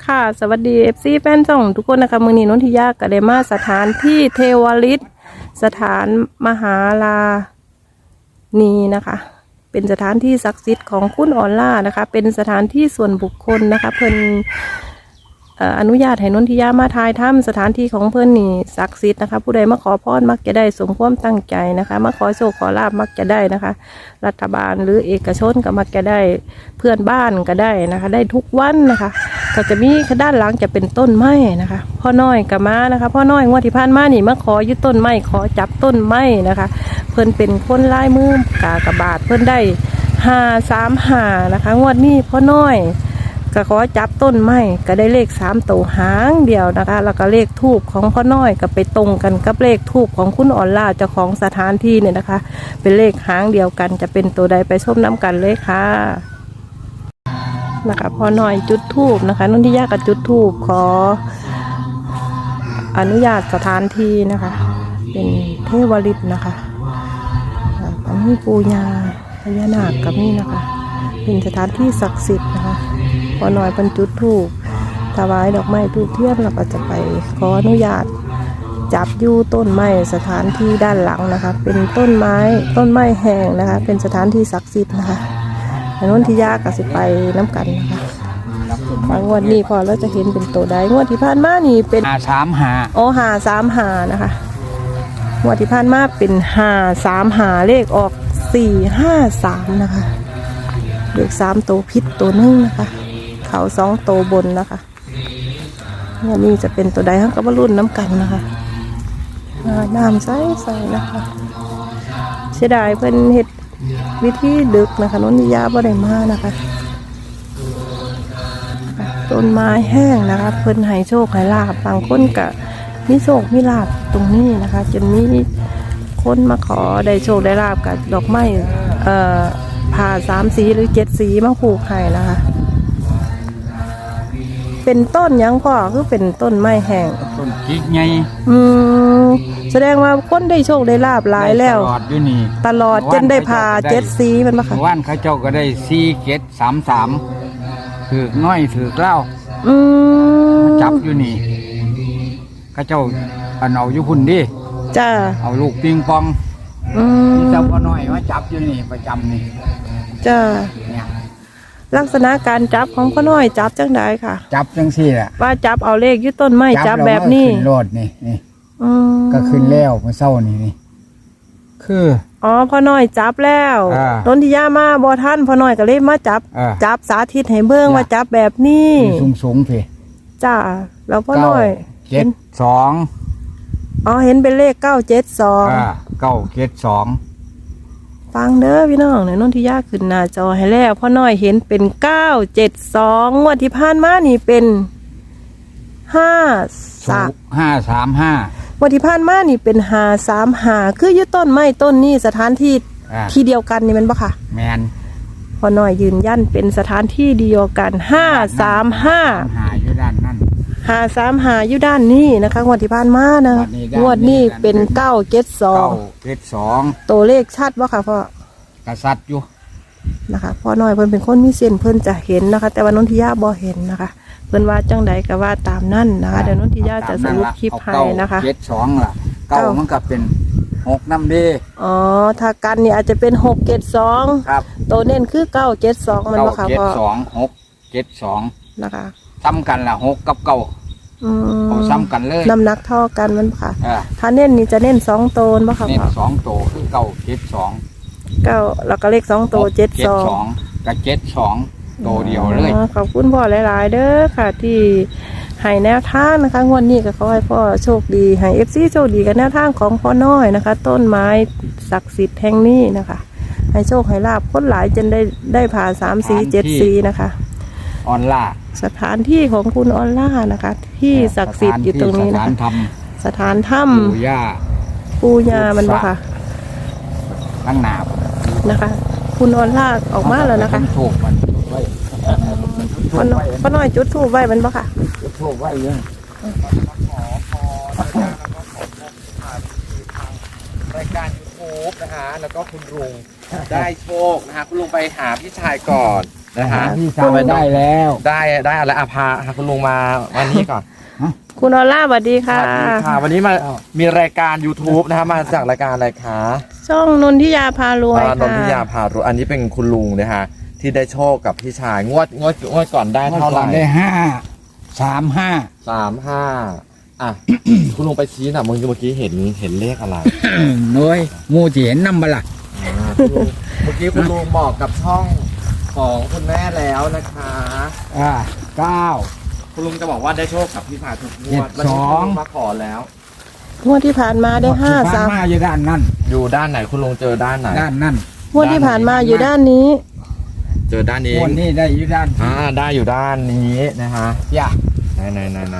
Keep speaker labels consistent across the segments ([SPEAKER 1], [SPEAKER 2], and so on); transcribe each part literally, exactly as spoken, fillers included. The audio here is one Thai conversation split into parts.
[SPEAKER 1] ค่ะสวัสดี เอฟ ซี แฟนช่องทุกคนนะคะมือนี้นนทิยาก็ได้มาสถานที่เทวฤทธิ์สถานมหาลานีนะคะ เป็นสถานที่ศักดิ์สิทธิ์ของคุณออล่านะคะ เป็นสถานที่ส่วนบุคคลนะคะเพิ่นอนุญาตให้นนทิยามาทายถ้ำสถานที่ของเพื่อนนี่ศักดิ์สิทธิ์นะคะผู้ใดมาขอพรมักจะได้สมความตั้งใจนะคะมาขอโชคขอลาบมักจะได้นะคะรัฐบาลหรือเอกชนก็มักจะได้เพื่อนบ้านก็ได้นะคะได้ทุกวันนะคะก็จะมีด้านหลังจะเป็นต้นไม้นะคะพ่อน้อยกับม้านะคะพ่อน้อยงวดที่ผ่านมานี่มาขอยึดต้นไม้ขอจับต้นไม้นะคะเพื่อนเป็นคนลายมือกากบาทเพื่อนได้ห้าสามห้านะคะงวดนี้พ่อน้อยก็ขอจับต้นไม้ก็ได้เลขสามตัวหางเดียวนะคะแล้วก็เลขทูบของพ่อน้อยก็ไปตรงกันกับเลขทูบของคุณออนล่าเจ้าของสถานที่เนี่ยนะคะเป็นเลขหางเดียวกันจะเป็นตัวใดไปชมน้ำกันเลยค่ะนะคะพ่อน้อยจุดทูบนะคะนุ่นที่ยากกับจุดทูบขออนุญาตสถานที่นะคะเป็นเทวฤทธิ์นะคะอันนี้ปูญาพญานาคกับนี่นะคะเป็นสถานที่ศักดิ์สิทธิ์นะคะพอหน่อยบรรจุทูบถวายดอกไม้ทูบเทียนเราก็จะไปขออนุญาตจับยู่ต้นไม้สถานที่ด้านหลังนะคะเป็นต้นไม้ต้นไม้แห้งนะคะเป็นสถานที่ศักดิ์สิทธิ์นะคะนนทิยาก็สิไปน้ำกันนะคะงวดนี้พอเราจะเห็นเป็นตัวใดงวดที่ผ่านมานี่เป็น
[SPEAKER 2] หาสามหา
[SPEAKER 1] โอ้หาสามหานะคะงวดที่ผ่านมาเป็นหาสามหาเลขออกสี่ห้าสามนะคะเลขสามตัวพิษตัวนึงนะคะเขาสองตัวบนนะคะเนี่ยนี่จะเป็นตัวใดทั้งกับบรุ่นน้ำกันนะคะน้ำใสใสนะคะเสียดายเพิ่นเฮ็ดวิธีดึกนะคะนนทิยาบ่ได้มานะคะต้นไม้แห้งนะคะเพิ่นให้โชคให้ลาบบางคนก็มีโชคมีลาบตรงนี้นะคะจนมีคนมาขอได้โชคได้ลาบกับดอกไม้เอ่อผ่าสามสีหรือเจ็ดสีมาผูกไข่นะคะเป็นต้นยังพ่อคือเป็นต้นไม้แห้ง
[SPEAKER 2] ต้นกิ๊กไง
[SPEAKER 1] อืมแสดงว่าคนได้โชคได้ลาบหลายแล้ว
[SPEAKER 2] ตลอดอยู่นี่
[SPEAKER 1] ตลอดจนได้ผ่าเจ็ดสีมันมาค่ะ
[SPEAKER 2] ว่านข้าเจ้าก็ได้สี่เจ็ดสามสามถือน้อยถือเกล้า
[SPEAKER 1] อืม
[SPEAKER 2] จับอยู่นี่ข้าเจ้าเอาเอาอยู่พุ่นดิ
[SPEAKER 1] จ้า
[SPEAKER 2] เอาลูกปิงปอง
[SPEAKER 1] อืม
[SPEAKER 2] เจ้าพ่อน้อยว่าจับอยู่นี่ประจำนี่
[SPEAKER 1] จ้าเนี่ยลักษณะการจับของพ่อน้อยจับจังไดค่ะ
[SPEAKER 2] จับจังสี่แหละ
[SPEAKER 1] ว่าจับเอาเลขยึดต้นไม้จับแบบนี้
[SPEAKER 2] ขึ้นโลดนี่นี่ก็ขึ้นแล้วเมื่อเช้านี่นี่คือ
[SPEAKER 1] อ๋อพ่อน้อยจับแล้วต้นที่ย่ามาบ่ท่านพ่อน้อยก็เลยมาจับจับสาธิตให้เบิ่งว่าจับแบบนี้
[SPEAKER 2] สูงสูงพี่
[SPEAKER 1] จ้าแล้วพ่อน้อย
[SPEAKER 2] เจ็ดสอง
[SPEAKER 1] อ๋อเห็นเป็นเลขเก้าเจ็ดสอง
[SPEAKER 2] เก้าเจ็ดสอง
[SPEAKER 1] ฟังเด้อพี่น้องเนี่ยนนทิยาขึ้นหน้าจอให้แล้วพ่อน้อยเห็นเป็นเก้าเจ็ดสองงวดที่ผ่านมานี่เป็นห้าสาม
[SPEAKER 2] ห้าสามห้า
[SPEAKER 1] วันที่ผ่านมานี่เป็นหาสามหาคือยึดต้นไม้ต้นนี้สถานที่ที่เดียวกันนี่มันปะค่ะ
[SPEAKER 2] แมน
[SPEAKER 1] พอหน่อยยืนยันเป็นสถานที่เดียวกันห้าสามห้า
[SPEAKER 2] หาอยู่ด้านนั่น
[SPEAKER 1] หาสามหาอยู่ด้านนี้นะคะงวดที่ผ่านมานะงวดนี้เป็นเก้าเจ็ดสอง
[SPEAKER 2] เก้าเจ็ดสอง
[SPEAKER 1] ตัวเลขชัดปะค่ะพ่อก
[SPEAKER 2] ระสัดอยู่
[SPEAKER 1] นะคะพอหน่อยเพิ่นเป็นคนมีเส้นเพิ่นจะเห็นนะคะแต่ว่านนทิยาบ่เห็นนะคะเพิ่นว่าจังใดก็ว่าตามนั่นนะคะเดี๋ยวนนทิยาจะสรุปคลิปให้นะคะ
[SPEAKER 2] เจ็ดสองล่ะเก้ามันก็เป็นหกน้ำดี
[SPEAKER 1] อ๋อถ้ากันเนี่ยอาจจะเป็นหกเจ็ดสอง
[SPEAKER 2] ครับ
[SPEAKER 1] ตัวเน้นคือเก้าเจ็ดสองมันว่าค่ะพ่อ
[SPEAKER 2] เจ็ดสองหกเจ็ดสอง
[SPEAKER 1] นะคะ
[SPEAKER 2] ซ้ำกันล่ะหกกับเก้าเขาซ้ำกันเลย
[SPEAKER 1] น้ำหนักเท่ากันมันค่ะถ้าเน้นนี่จะเน้นสองตัวว่าค่ะ
[SPEAKER 2] เน้นสองตัวคือเก้าเจ็ดสอง
[SPEAKER 1] เก้าแล้วก็เลขสองตัวเจ็ดสอง
[SPEAKER 2] กับเจ็ดสองตัวเดียวเลย
[SPEAKER 1] ขอบคุณพ่อหลายๆเด้อค่ะที่ให้แนวทางนะคะงวดนี้ก็ขอให้พ่อโชคดีให้เอฟซีโชคดีกับแนวทางของพ่อน้อยนะคะต้นไม้ศักดิ์สิทธิ์แห่งนี้นะคะให้โชคให้ลาบคนหลายจนได้ได้ผ่าสามสีเจ็ดสีนะคะ
[SPEAKER 2] ออนล่า
[SPEAKER 1] สถานที่ของคุณออนล่านะคะที่ศักดิ์สิทธิ์อยู่ตรงนี้นะคะสถานถ้ำ
[SPEAKER 2] ปูย่า
[SPEAKER 1] ปูย่ามันบ่ค่ะ
[SPEAKER 2] ตั้งหนา
[SPEAKER 1] นะคะคุณออนล่าออกมาแล้วนะคะ
[SPEAKER 2] ถูกมันไว้
[SPEAKER 1] ป้าน้อยจุดถูกไว้มันบ่ค่ะ
[SPEAKER 2] จุดถูกไว้เยอะ
[SPEAKER 3] รายการยูทูบนะคะแล้วก็คุณลุงได้โชคนะคะคุณลุงไปหาพี่ชายก่อนนะฮะ
[SPEAKER 2] พี่สาวได้แล้ว
[SPEAKER 3] ได้ได้อะไรอาภาพาคุณลุงมาวันนี้ก่อน
[SPEAKER 1] คุณออล่าสวัสดี
[SPEAKER 3] ส
[SPEAKER 1] ค่ะ
[SPEAKER 3] วัสดีค่ะ วันนี้มามีรายการ YouTube นะฮะมาจากรายการอะไรคะ
[SPEAKER 1] ช่องนนทิยาพารวย
[SPEAKER 3] อ่านน
[SPEAKER 1] ค่ะ
[SPEAKER 3] ทิยาพารวยอันนี้เป็นคุณลุงนะฮะที่ได้โชคกับพี่ชายงวดงวดงวดก่อนได้
[SPEAKER 2] เมื่อ
[SPEAKER 3] เท่าไห
[SPEAKER 2] ก่อ
[SPEAKER 3] ร่
[SPEAKER 2] นได้ห้าสามห้า
[SPEAKER 3] สามห้าอ่ะ คุณลุงไปชี้หน่ะเมื่อกี้เมื่อกี้เห็นเห็นเลขอะไร
[SPEAKER 2] น้อยงูจีเห็นนำบละ
[SPEAKER 3] อ่าคุณลุงเมื่อกี้คุณลุงบอกกับช่องของคุณแม่แล้วนะคะ
[SPEAKER 2] อ่าเก้า
[SPEAKER 3] คุณลุงจะบอกว่าได้โชคกับพี่ชายทุกงวด
[SPEAKER 2] เจ็ดสอง
[SPEAKER 3] วันนี้คุณลุมาขอแล้ว
[SPEAKER 1] งวดที่ผ่านมาได้ห้าสาม
[SPEAKER 2] มาอยู่ด้านนั่น
[SPEAKER 3] อยู่ด้านไหนคุณลุงเจอด้านไหน
[SPEAKER 2] ด้านนั่น
[SPEAKER 1] งวดที่ผ่านมาอยู่ด้านนี้
[SPEAKER 3] เจอด้านนี้
[SPEAKER 2] คนนี้ได้อยู่ด้าน
[SPEAKER 3] อ่าได้อยู่ด้านนี้นะฮะ
[SPEAKER 2] อย่า
[SPEAKER 3] ไหนไหนไหนไหน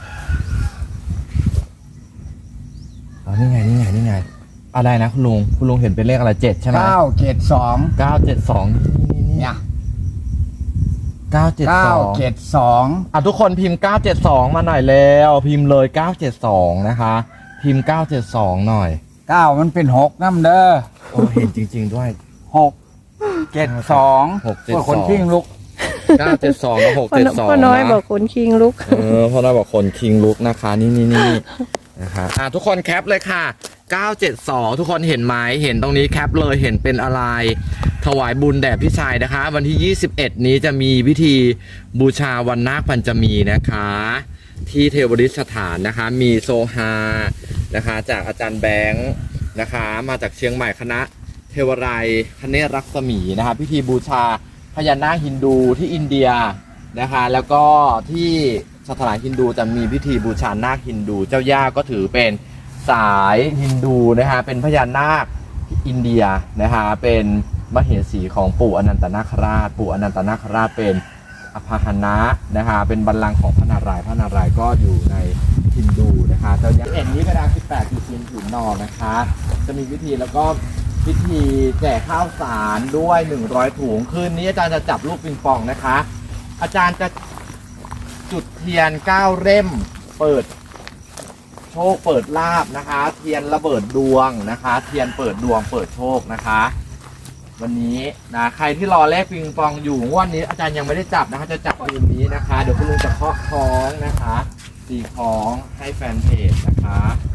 [SPEAKER 3] อ๋อนี่ไงนี่ไงนี่ไงอะไรนะคุณลุงคุณลุงเห็นเป็นเลขอะไรเจ็ดใช่ไหม
[SPEAKER 2] เก้าเจ็ดสอง
[SPEAKER 3] เก้าเจ็ดสองนี่นี่
[SPEAKER 2] เนี่ย
[SPEAKER 3] เก้าเจ็ด
[SPEAKER 2] เก้า
[SPEAKER 3] สอง
[SPEAKER 2] เจ็ดสอง
[SPEAKER 3] อ่ะทุกคนพิมพ์เก้าเจ็ดสองมาหน่อยแล้วพิมพ์เลยเก้าเจ็ดสองนะคะ พิมพ์เก้าเจ็ดสองหน่อย
[SPEAKER 2] เก้ามันเป็นหกน้ำเด้อ
[SPEAKER 3] โอ้เห็นจริง ๆด้วย
[SPEAKER 2] หกเจ็ดสอง
[SPEAKER 3] หกเจ็ดสอง
[SPEAKER 2] คนทิ้งลุก
[SPEAKER 3] เก้าเจ็ดสองกับหก
[SPEAKER 1] พ่อ
[SPEAKER 3] เจ็ด
[SPEAKER 1] น้อย
[SPEAKER 3] สอง
[SPEAKER 1] พ่อน้อย
[SPEAKER 3] นะ
[SPEAKER 1] บอกคนคิงลุก
[SPEAKER 3] เออพ่อน้อยบอกคนคิงลุกนะคะ นี่นี่นี่นะคะอ่ะทุกคนแคปเลยค่ะเก้าเจ็ดสองทุกคนเห็นไหมเห็นตรงนี้แคปเลยเห็นเป็นอะไร ถวายบุญแด่พี่ชายนะคะ วันที่ยี่สิบเอ็ดนี้จะมีพิธีบูชาวันนาคปัญจมีนะคะ ที่เทวริษสถานนะคะ มีโซฮานะคะ จากอาจารย์แบงค์นะคะ มาจากเชียงใหม่คณะเทวไรยคเนศรักษมีนะคะ พิธีบูชาพญานาคฮินดูที่อินเดียนะคะ แล้วก็ที่สถานฮินดูจะมีพิธีบูชานาคฮินดู เจ้าย่าก็ถือเป็นสายฮินดูนะคะเป็นพญานาคอินเดียนะคะเป็นมเหสีของปู่อนันตนาคราช ปู่อนันตนาคราชเป็นอภาหนะนะคะเป็นบัลลังก์ของพระนารายณ์พระนารายณ์ก็อยู่ในฮินดูนะคะเจ้าย่าเอ็นนี้กระดาษสิบแปดจุดศูนย์ศูนย์นอนะคะ จะมีพิธีแล้วก็พิธีแจกข้าวสารด้วยหนึ่งร้อยถุงคืนนี้อาจารย์จะจับลูกปิงปองนะคะ อาจารย์จะจุดเทียนเก้าเล่มเปิดโชคเปิดลาบนะคะ เทียนระเบิดดวงนะคะ เทียนเปิดดวงเปิดโชคนะคะ วันนี้นะใครที่รอเลขปิงปองอยู่งวดนี้อาจารย์ยังไม่ได้จับนะคะ จะจับคืนนี้นะคะ เดี๋ยวคุณลุงจะเคาะคล้องนะคะตีคล้องให้แฟนเพจนะคะ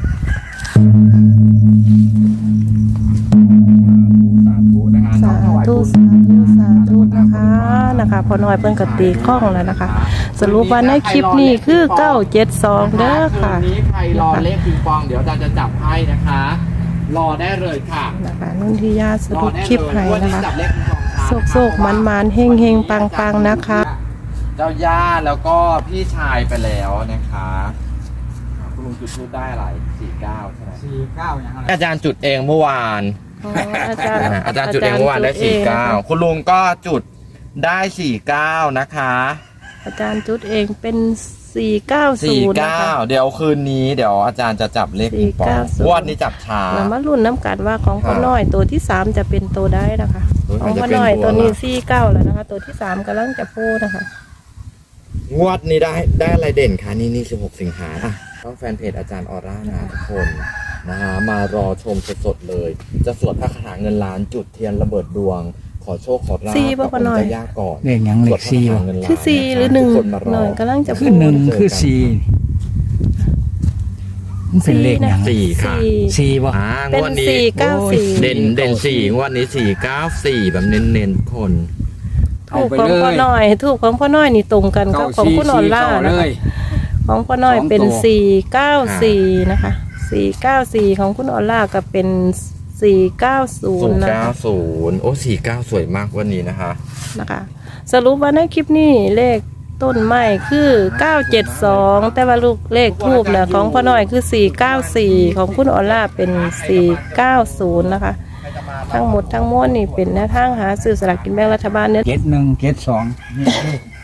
[SPEAKER 3] สาธุนะคะ
[SPEAKER 1] สาธุสาธุสาธุนะคะนะคะพอน้อยเพิ่นก็ตีข้องแล้วนะคะ สรุปว่าในคลิปนี้คือเก้าเจ็ดสองเด้อค่ะ
[SPEAKER 3] คืนนี้ใครรอเลขปิงปองเดี๋ยวอาจารย์จะจับให้นะคะ รอได้เลยค่ะ
[SPEAKER 1] นะคะนุ่นทิยาส
[SPEAKER 3] รอ
[SPEAKER 1] รุป
[SPEAKER 3] ได้
[SPEAKER 1] คลิป
[SPEAKER 3] เลย
[SPEAKER 1] ให้
[SPEAKER 3] วัน
[SPEAKER 1] นะ
[SPEAKER 3] นี้
[SPEAKER 1] คะ
[SPEAKER 3] จับเลขปิงปองช้า
[SPEAKER 1] โศกโศกมันมันเฮงเฮงปังปังนะคะ
[SPEAKER 3] เจ้าย่าแล้วก็พี่ชายไปแล้วนะคะคุณลุงจุดทูบได้อะไรสี่เก้าใช่ไหม
[SPEAKER 2] สี่เก้าอย่างไร
[SPEAKER 3] อาจารย์จุดเองเมื่อวาน
[SPEAKER 1] อ๋ออาจารย์
[SPEAKER 3] อ่าอาจารย์จุดเองเมื่อวานได้สี่เก้าคุณลุงก็จุดได้สี่เก้านะคะ
[SPEAKER 1] อาจารย์จุดเองเป็นสี่เก้าศู
[SPEAKER 3] สี่
[SPEAKER 1] นย์นะ
[SPEAKER 3] เก้า
[SPEAKER 1] คะ
[SPEAKER 3] เดี๋ยวคืนนี้เดี๋ยวอาจารย์จะจับเลขปิงปอง
[SPEAKER 1] สี่เก้าศูนย์
[SPEAKER 3] งวดนี้จับช้า
[SPEAKER 1] เรามาลุ้นน้ำกันว่าของพ่อน้อยตัวที่สามจะเป็นตัวได้นะคะ
[SPEAKER 3] เฮ้ย
[SPEAKER 1] ของพ่อ
[SPEAKER 3] มันจะเป็น
[SPEAKER 1] น้อย
[SPEAKER 3] ตั
[SPEAKER 1] ตัว ว
[SPEAKER 3] อะไร
[SPEAKER 1] นี้สี่เก้าแล้วนะคะ ตัวที่สามกำลังจะพูดนะคะ
[SPEAKER 3] งวดนี้ได้ได้อะไรเด่นคะนี่นี่สิบหกสิงหาอ่ะต้องแฟนเพจอาจารย์ออร่านะทุกคนนะฮะมารอชมสดๆเลย จะสวดพระคาถาเงินล้านจุดเทียนระเบิดดวง ขอโชคขอลาภ
[SPEAKER 1] สี่ป่ะ
[SPEAKER 3] กับ
[SPEAKER 1] พ่อ
[SPEAKER 3] อง
[SPEAKER 1] น้อย
[SPEAKER 3] ค์เจ้าย่าก่อน
[SPEAKER 2] เลขอย่างเล
[SPEAKER 3] สวด
[SPEAKER 2] ข
[SPEAKER 3] พระ
[SPEAKER 2] สี่
[SPEAKER 3] คาถา
[SPEAKER 2] บ่
[SPEAKER 3] เงินล้าน
[SPEAKER 1] คือสี่หรือหนึ่ง
[SPEAKER 3] ทุกคนมาร
[SPEAKER 1] หน่
[SPEAKER 3] อ
[SPEAKER 1] อยกำลังจะ
[SPEAKER 2] คื
[SPEAKER 1] พู
[SPEAKER 2] อ
[SPEAKER 1] ด
[SPEAKER 2] หนึ่งคือสี่มันเป็นเลขอย่าง
[SPEAKER 3] สี่ค่ะ
[SPEAKER 1] สี่
[SPEAKER 2] สี่บ่
[SPEAKER 3] อ่าง
[SPEAKER 1] เป็น
[SPEAKER 3] วดนี้
[SPEAKER 1] สี่เก้าสี่
[SPEAKER 3] เด่นเด่นสี่งวดนี้สี่เก้าสี่แบบเน้นๆทุกคน
[SPEAKER 1] ถูกของพ่อน้อยถูกของพ่อน้อยนี่ตรงกันกับของคุณออนล่า
[SPEAKER 2] เล
[SPEAKER 1] นะคะ
[SPEAKER 2] ย
[SPEAKER 1] ของพ่อน้อยเป็น
[SPEAKER 2] สองตัว
[SPEAKER 1] สี่เก้าสี่นะคะสี่เก้าสี่ของคุณออนล่าก็เป็นสี่เก้าศู
[SPEAKER 3] ศู
[SPEAKER 1] น
[SPEAKER 3] น
[SPEAKER 1] ย์
[SPEAKER 3] ย์
[SPEAKER 1] นะ
[SPEAKER 3] เก้า
[SPEAKER 1] คะ
[SPEAKER 3] ศูนย์โอ้สี่เก้าสวยมากวันนี้นะคะ
[SPEAKER 1] นะคะ สรุปว่าในคลิปนี้เลขต้นไม้คือเก้าเจ็ดสองแต่ว่าลูกเลขทูบเนี่ยของพ่อน้อยคือสี่เก้าสี่ของคุณออนล่าเป็นสี่เก้าศูนย์นะคะ ทั้งหมดทั้งมวลนี่เป็นแนวทางหาซื้อสลากกินแบ่งรัฐบาลเนี่ย
[SPEAKER 2] เจ็ดหนึ่งเจ็ดสองนี่เลข